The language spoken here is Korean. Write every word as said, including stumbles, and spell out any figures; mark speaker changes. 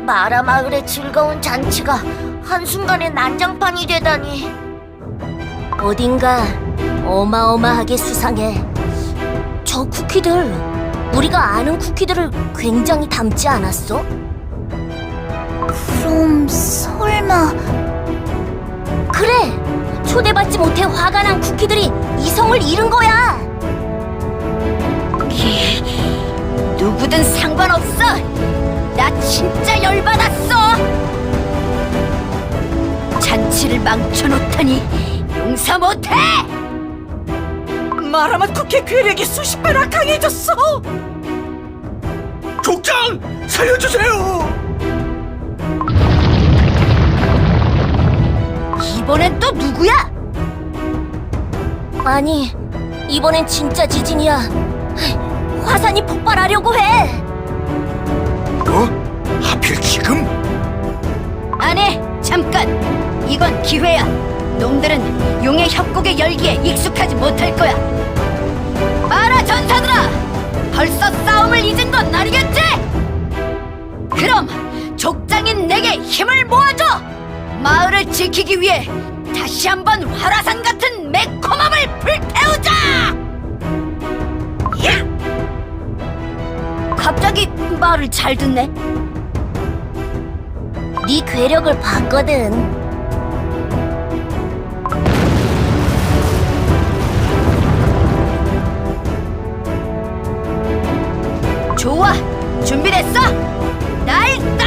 Speaker 1: 마라 마을의 즐거운 잔치가 한순간에 난장판이 되다니. 어딘가 어마어마하게 수상해. 저 쿠키들, 우리가 아는 쿠키들을 굉장히 닮지 않았어? 그럼 설마... 그래! 초대받지 못해 화가 난 쿠키들이 이성을 잃은 거야! 누구든 상관없어! 나 진짜 열받았어! 잔치를 망쳐놓다니 용서 못해!
Speaker 2: 마라맛 쿠키의 괴력이 수십 배나 강해졌어!
Speaker 3: 족장! 살려주세요!
Speaker 1: 이번엔 또 누구야? 아니, 이번엔 진짜 지진이야. 화산이 폭발하려고 해!
Speaker 3: 어? 하필 지금?
Speaker 1: 안 해! 잠깐! 이건 기회야! 놈들은 용의 협곡의 열기에 익숙하지 못할 거야! 마라 전사들아! 벌써 싸움을 잊은 건 아니겠지? 그럼 족장인 내게 힘을 모아줘! 마을을 지키기 위해 다시 한번 활화산 같은 매콤함을 불태우자! 야! 갑자기 말을 잘 듣네. 네 괴력을 봤거든. 좋아, 준비됐어? 날 따라!